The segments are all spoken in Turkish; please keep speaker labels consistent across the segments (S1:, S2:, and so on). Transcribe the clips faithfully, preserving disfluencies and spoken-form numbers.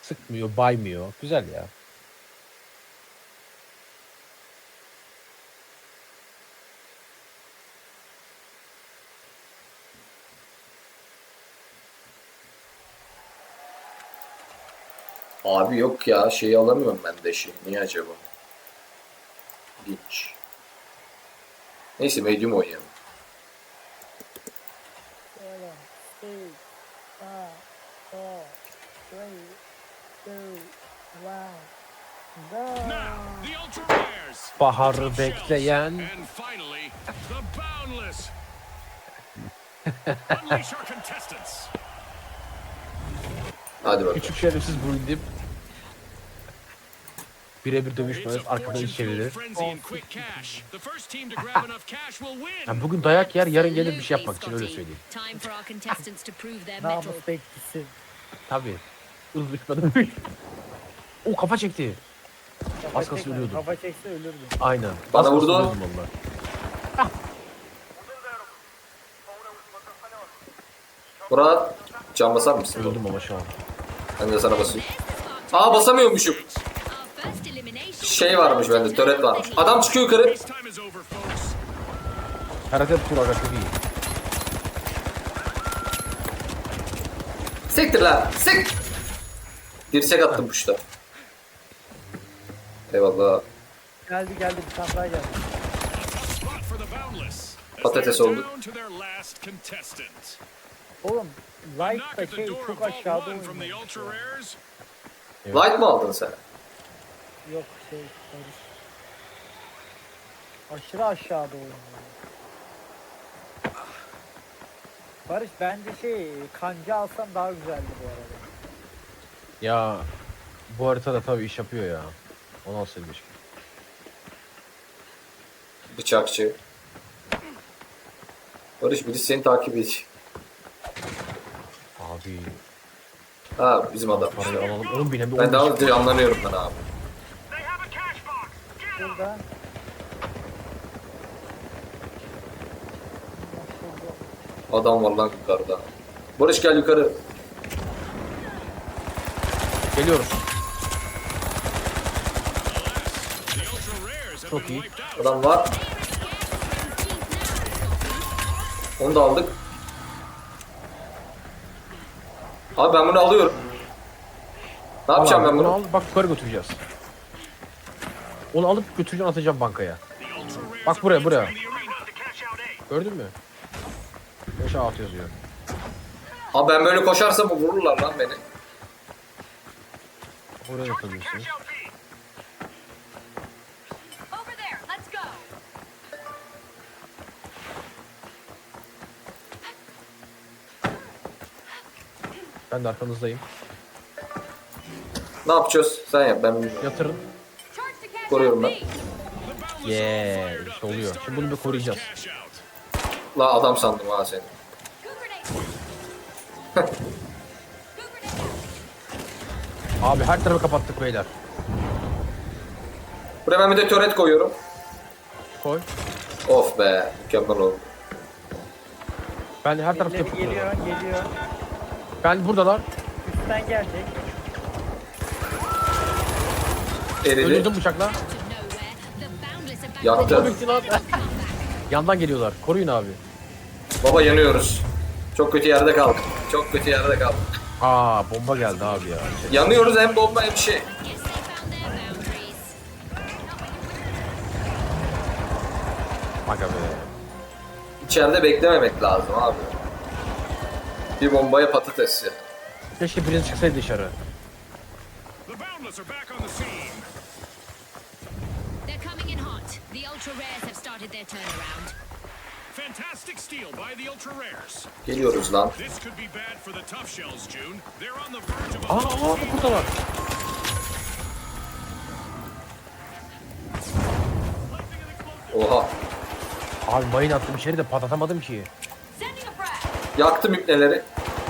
S1: Sıkmıyor, baymıyor. Güzel ya.
S2: Abi yok ya şeyi alamıyorum ben de şey. Niye acaba? Hiç. Neyse medium oynayalım.
S3: seven, six, five, four, three, two, one, go.
S4: Now, the Ultra Rares.
S1: Baharı
S4: the Top Shells,
S1: bekleyen.
S4: And finally, the Boundless. Unleash our contestants.
S2: Hadi bakalım.
S1: Küçük şerefsiz bulundum. Birebir
S4: It's
S1: dövüşmez,
S4: a
S1: arkadan
S4: fortune
S1: iş çevirir.
S4: frenzy and quick cash. The first team to grab enough cash will win.
S1: Yani bugün dayak yer, yarın gelir bir şey yapmak için, öyle söyleyeyim.
S5: Time for our contestants to prove their mettle.
S3: Namus bekçisi.
S1: Tabii. Uzlaşmadım. O kafa çekti.
S3: Kafa
S1: Az kalsın
S3: çekme,
S1: ölüyordum.
S3: Kafa çekse ölürdü.
S1: Aynen.
S2: Bana
S1: Az kalsın
S2: vurdu.
S1: ölüyordum vallahi.
S2: Murat can basar mısın?
S1: Öldüm ama şu an.
S2: Ben de sana basayım. Aa basamıyormuşum. Şey varmış bende, töret varmış. Adam çıkıyor yukarı.
S4: Race time is over, folks.
S1: Karate tur aga çok iyi.
S2: Siktir lan. Sik. Dirsek attım puşta. Eyvallah.
S3: Geldi geldi bir tane daha geldi.
S4: Tough spot for the Boundless. As
S2: Patates
S4: they're
S2: oldu.
S4: down to their last contestant.
S3: Oğlum
S4: A
S3: Light
S4: knock
S3: da
S4: at the
S3: şey
S4: door
S3: çok
S4: of Vault
S3: aşağıda
S4: one from the
S3: oynuyor.
S4: Ultra Rares.
S2: Light mı aldın sen?
S3: Yok şey Barış. Aşırı aşağıda oynuyor. Barış bence şey kanca alsam daha güzeldi bu arada.
S1: Ya bu haritada tabii iş yapıyor ya. Onu alsaydım keşke.
S2: Bıçakçı. Barış birisi seni takip ediyor.
S1: Abi
S2: Ha bizim adam.
S1: parayı alalım. Onun bile bir
S2: Ben daha
S1: on beş-
S2: önce anlamıyorum ben abi.
S4: They have a cash box. Get 'em.
S3: Burada
S2: Adam var lan yukarıda. Barış gel yukarı.
S1: Geliyoruz.
S4: The Ultra Rares have
S1: Çok
S4: been
S1: iyi.
S4: wiped out.
S2: Adam var. Onu da aldık. Abi ben bunu alıyorum. Ne yapacağım
S1: Al
S2: ben
S1: abi,
S2: bunu?
S1: al, bak yukarı götüreceğiz. Onu alıp götüreceğim, atacağım bankaya.
S4: The Ultra Rares
S1: Bak
S4: are
S1: buraya, buraya.
S4: entering the arena to cash out A.
S1: Gördün mü? beş altı yazıyor.
S2: Abi ben böyle koşarsam vururlar lan beni.
S1: Oraya yapabilirsiniz.
S4: Cash out B.
S5: Over there, let's go.
S1: Ben de arkanızdayım.
S2: Ne yapacağız? Sen yap ben bilmiyorum.
S1: Yatırın.
S5: Charge to cash
S2: Koruyorum
S5: out
S2: ben.
S5: B.
S4: The Boundless are
S1: Yeah,
S4: fired up.
S1: işte
S4: They
S1: oluyor.
S4: started
S1: Şimdi bunu bir
S4: their
S1: koruyacağız.
S4: first cash out.
S2: La adam sandım ha seni.
S5: Good grenade. Good grenade.
S1: Abi her tarafı kapattık beyler.
S2: Buraya ben bir de töret koyuyorum.
S1: Koy.
S2: Of be mükemmel oldu.
S1: Ben her tarafı
S3: birileri
S1: kapattık.
S3: geliyor geliyor.
S1: Ben buradalar.
S3: Üstten gelecek.
S2: Eridi.
S1: Öldürdüm bıçakla.
S5: To nowhere. The Boundless are back.
S2: Yaktı.
S1: Bitti lan. Yandan geliyorlar. Koruyun abi.
S2: Baba yanıyoruz. Çok kötü yerde kaldık. Çok kötü yerde kaldık.
S1: Aa bomba geldi abi ya.
S2: Yanıyoruz hem bomba hem şey.
S5: Guess they found their boundaries.
S1: Aga be.
S2: İçeride beklememek lazım abi. Bir bombaya patates ya.
S1: Keşke biriniz çıksaydı dışarı.
S4: The Boundless are back on the scene.
S5: They're coming in hot. The Ultra Rares have started their turnaround.
S4: Fantastic steal by the Ultra Rares.
S2: Geliyoruz lan.
S4: This could be bad for the Tough Shells, June. They're on the verge of a
S1: Aa, aa buradalar.
S2: Oha.
S1: Abi mayın attım içeri de patlatamadım ki.
S5: Sending a frag.
S2: Yaktım ipneleri.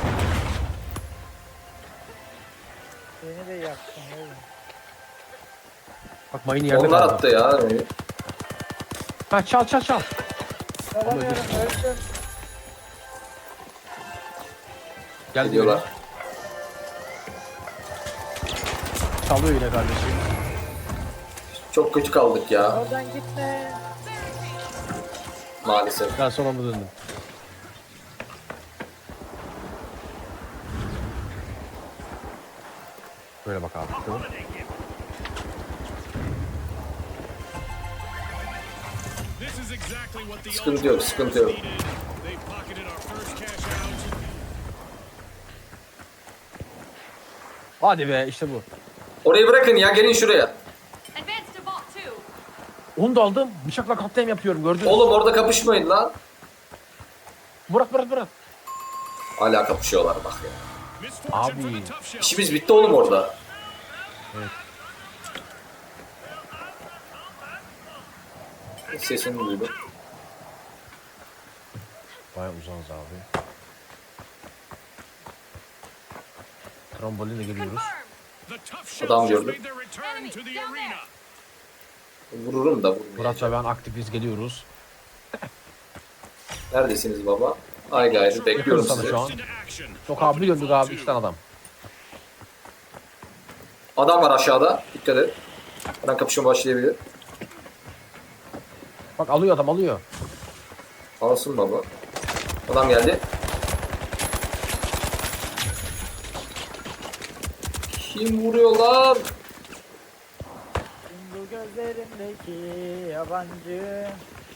S3: Beni de yaktın oğlum.
S1: Bak mayını yerde
S2: Onlar
S1: kaldı.
S2: attı ya.
S1: Ha çal çal çal.
S3: Alamıyorum öldüm.
S1: Gel
S2: Geliyorlar.
S1: diyorlar. Çalıyor yine kardeşim.
S2: Çok kötü kaldık ya
S3: Oradan gitme.
S2: maalesef.
S1: Ben sola mı döndüm? Böyle bak abi. Tamam.
S4: This is exactly what the
S2: Sıkıntı yok, sıkıntı yok.
S4: needed. They pocketed our first cash out.
S1: Hadi be işte bu.
S2: Orayı bırakın ya, gelin şuraya.
S5: Advance to bot two.
S1: Onu da aldım. Bıçakla katliam yapıyorum gördün mü?
S2: Oğlum orada kapışmayın lan.
S1: Bırak bırak bırak.
S2: Hala kapışıyorlar bak ya.
S4: Misfortune for
S1: Abi.
S4: the tough shells.
S2: İşimiz bitti oğlum orada.
S1: Evet.
S2: Sesini duydum.
S1: Baya uzağız abi. Trambolinle geliyoruz.
S4: The tough
S2: Adam
S4: shells just
S2: gördüm.
S4: made their return to the arena.
S2: Vururum da vurmayacağım.
S1: Murat ve ben aktifiz geliyoruz.
S2: Neredesiniz baba? Ay gayrı bekliyorum
S1: Yakın sana
S2: sizi.
S1: şu an. Çok abi bir döndük abi iki tane adam.
S2: Adam var aşağıda. Dikkat et. Hemen kapışma başlayabilir.
S1: Bak alıyor adam alıyor.
S2: Alsın baba. Adam geldi. Kim vuruyor lan?
S3: Bu gözlerindeki yabancı.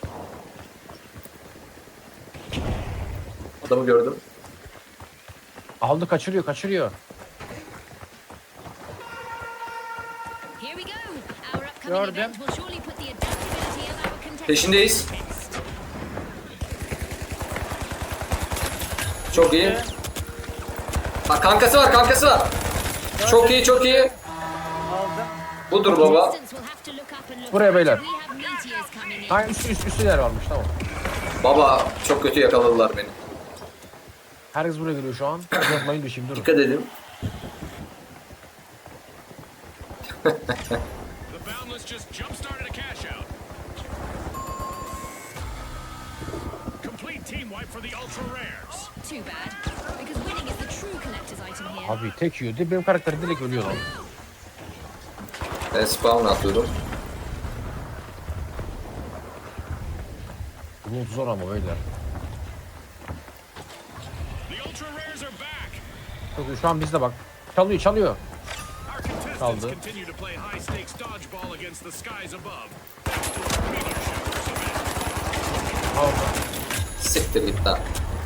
S2: Adamı gördüm.
S1: Aldı kaçırıyor kaçırıyor.
S5: Here we go. Our upcoming
S3: Gördüm.
S5: event will surely put the adaptability of our contestants.
S2: Peşindeyiz. Çok iyi. Bak kankası var, kankası var. Çok iyi, çok iyi.
S3: Aldım.
S2: Budur baba.
S5: Contestants will have to look up and look
S1: Buraya
S5: right.
S1: beyler.
S5: We have meteors coming in.
S1: Ha üst üst üstüler varmış tamam.
S2: Baba çok kötü yakaladılar beni.
S1: Herkes buraya geliyor şu an. Uzatmayın düşeyim durun.
S2: Dikkat edin.
S4: The Boundless just jump-started a cash out. Complete team wipe for the Ultra Rares.
S5: Too bad, because winning is the true collector's item here.
S1: Abi tek yiyor. Benim karakter direkt ölüyor lan.
S2: Ben spawn atıyorum.
S1: Bunun zor ama beyler.
S4: The Ultra Rares are back.
S1: Çok iyi. Şu an bizde bak. Çalıyor çalıyor.
S4: Our contestants
S1: Kaldı.
S4: continue to play high-stakes dodgeball against the skies above. Thanks to our meteor showers event.
S1: Aldı.
S2: Siktir git lan.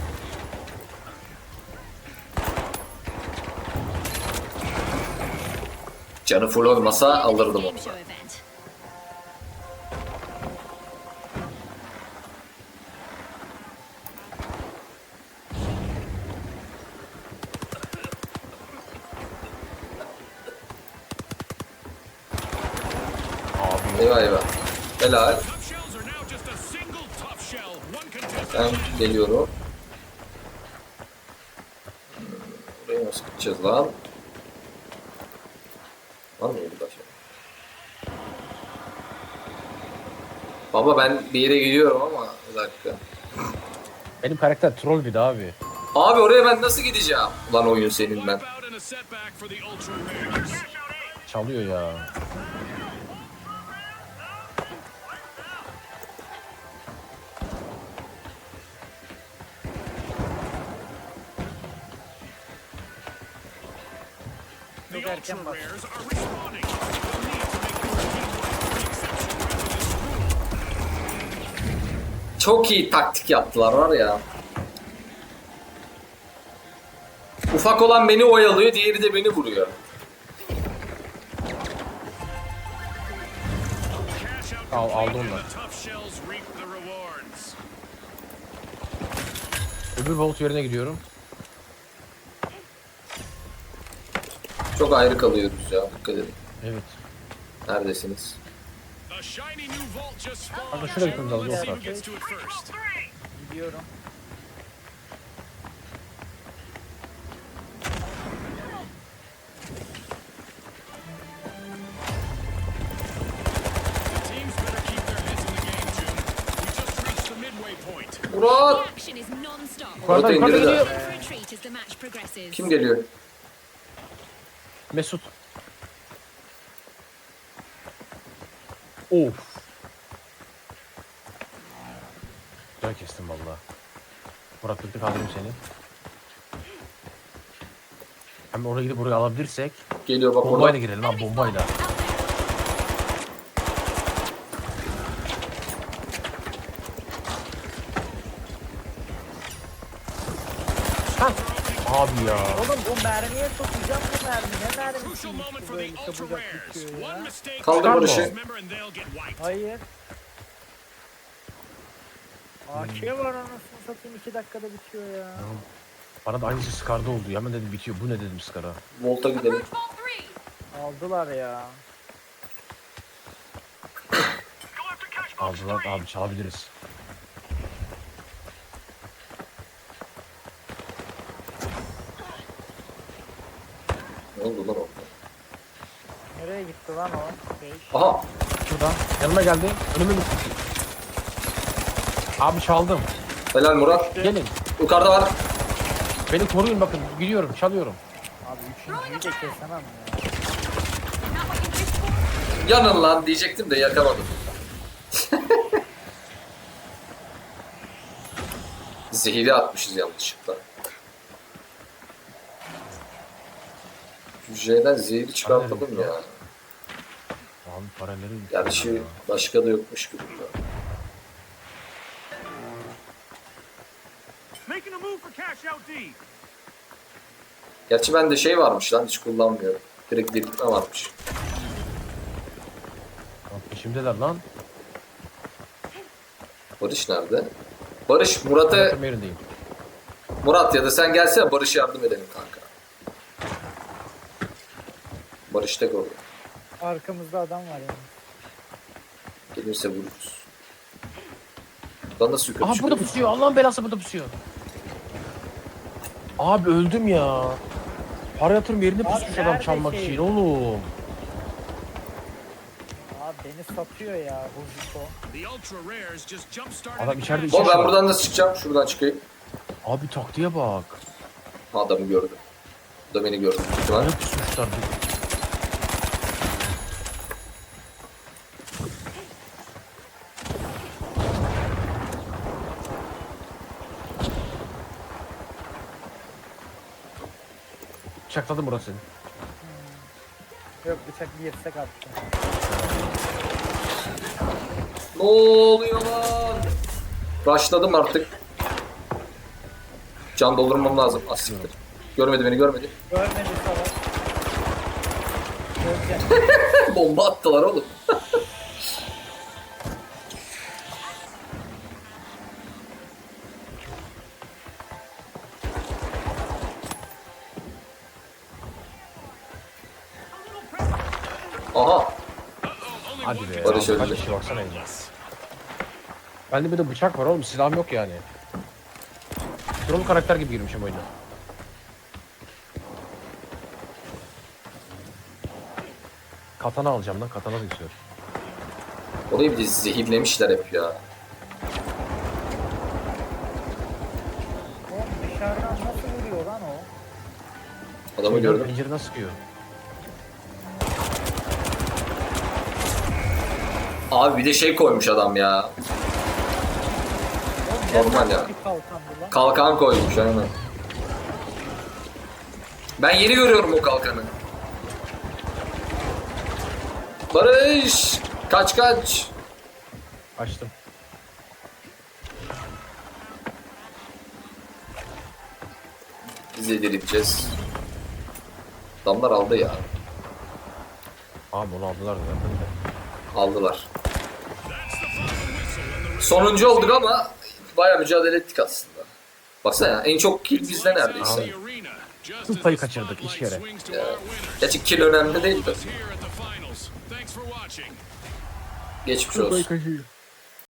S2: Canı full olmasa alırdım onu.
S5: Game show event.
S1: Abi
S2: Eyvah eyvah. Helal.
S4: Tough shells are now just a single tough shell. One contestant.
S2: Ben geliyorum. Hmm, Buraya nasıl gideceğiz lan? Var mı burada şey? Baba ben bir yere gidiyorum ama bir dakika.
S1: benim karakter troll bir de abi.
S2: Abi oraya ben nasıl gideceğim? Ulan oyun senin ben.
S4: Wipeout and a setback for the Ultra Rares.
S1: Çalıyor ya.
S4: The
S3: Çok erken
S4: Ultra
S3: bas.
S4: Rares are respawning. They'll need to make this team wipe the exception rather than the rule.
S2: Çok iyi taktik yaptılar var ya. Ufak olan beni oyalıyor, diğeri de beni vuruyor.
S4: Cash out
S1: Al-
S4: complete
S1: aldı
S4: and
S1: onlar.
S4: the tough shells reap the rewards.
S1: Öbür volt yerine gidiyorum.
S2: Çok ayrı kalıyoruz ya, dikkat edin.
S1: Evet.
S2: Neredesiniz?
S4: A shiny new vault just spawned.
S1: Kanka şuraya gitmemiz lazım,
S4: Let's see
S1: yok
S4: who gets to it first.
S3: Gidiyorum.
S4: The teams better keep their heads in the game, June. We just reached the midway point.
S5: The
S2: Murat!
S5: action is non-stop.
S1: Yukarıdan
S2: Orada
S1: yukarıdan
S2: indirdi.
S1: geliyor.
S5: For a treat as the match progresses.
S2: Kim geliyor?
S1: Mesut. Of. Güzel kestim valla. Murat tık tık kaldırayım seni. Hem oraya gidip buraya alabilirsek
S2: Geliyor bak
S1: bombayla
S2: orada.
S1: girelim lan bombayla. Hah. Abi ya.
S3: Oğlum bu mermiye sokacağım bu mermi. Ne mermisi
S4: Crucial moment for
S3: böyle
S4: the ultra
S3: çabucak
S4: rares.
S3: bitiyor
S4: One
S3: ya.
S4: mistake.
S2: Kaldır
S1: Çıkar mı
S2: Barış'ı.
S4: Member and they'll get wiped.
S3: Hayır. A K var anasını satayım iki dakikada bitiyor ya.
S1: Bana da aynısı Scar'da oldu. Hemen dedim bitiyor. Bu ne dedim Scar'a.
S2: Volta gidelim.
S3: Aldılar ya.
S1: Aldılar abi çalabiliriz.
S2: Ne oldu lan orada?
S3: Nereye gitti lan o? Şey.
S2: Aha.
S1: Şurada. Yanıma geldi. Önüme gitti. Abi çaldım.
S2: Helal Murat.
S1: Gelin.
S2: Yukarıda var.
S1: Beni koruyun bakın. Gidiyorum. Çalıyorum.
S3: Abi üçüncüyü de kesemem ya.
S2: Yanın lan diyecektim de yakamadım. Zehiri atmışız yanlışlıkla. Hücreden zehri çıkartalım ya.
S1: Abi paraları...
S2: Gerçi başka da yokmuş gibi.
S4: Making a move for cash out D.
S2: Gerçi bende şey varmış lan hiç kullanmıyorum. Direkt diriltme varmış.
S1: Lan peşimdeler lan.
S2: Barış nerede? Barış Murat'a
S1: Murat'ın yerindeyim.
S2: Murat ya da sen gelsene Barış'a yardım edelim kanka. Barış tek orada.
S3: Arkamızda adam var yani.
S2: Gelirse vururuz. Buradan nasıl yukarı
S1: Aha
S2: çıkıyor?
S1: burada pusuyor. Allah'ın belası burada pusuyor. Abi öldüm ya. Para yatırım yerine
S3: Abi
S1: pusmuş adam
S3: nerede
S1: çalmak
S3: şey?
S1: için oğlum.
S3: Abi beni satıyor ya Huziko.
S4: The ultra rares just jump started.
S1: Adam içeride
S2: Oğlum
S1: içi
S2: ben
S1: var.
S2: buradan nasıl çıkacağım? Şuradan çıkayım.
S1: Abi taktiğe bak.
S2: Ha, adamı gördüm. O da beni gördü. Ihtimal.
S1: Ne pusmuşlar. Bıçakladım burası seni.
S3: Yok bıçak bir yersek attı.
S2: Ne oluyor lan? Başladım artık. Can doldurmam lazım. Asiktir. Görmedi beni görmedi.
S3: Görmedi salak. Görecek.
S2: Bomba attılar oğlum. Aha.
S1: Hadi be.
S2: Barış
S1: Abi, kaç
S2: öldü.
S1: kişi baksana ya. Bende bir de bıçak var oğlum. Silahım yok yani. Troll karakter gibi girmişim oyuna. Katana alacağım lan. Katana da istiyorum.
S2: Orayı bir de zehirlemişler hep ya.
S3: Oğlum dışarıdan nasıl vuruyor lan o?
S2: Adamı gördüm.
S1: Pencereden sıkıyor.
S2: Abi bir de şey koymuş adam ya.
S3: Oğlum
S2: Normal
S3: ne
S2: ya.
S3: Bir kalkandı lan.
S2: Kalkan koymuş aynen. Ben yeni görüyorum o kalkanı. Barış! Kaç kaç!
S1: Açtım.
S2: Biz de dirileceğiz. Adamlar aldı ya.
S1: Abi onu aldılar da zaten de.
S2: Aldılar. Sonuncu olduk ama bayağı mücadele ettik aslında. Baksana ya, en çok kill bizde neredeyse.
S1: Kıl payı kaçırdık iki kere.
S2: Gerçi kill önemli değil de. Geçmiş olsun.
S1: kaçıyor.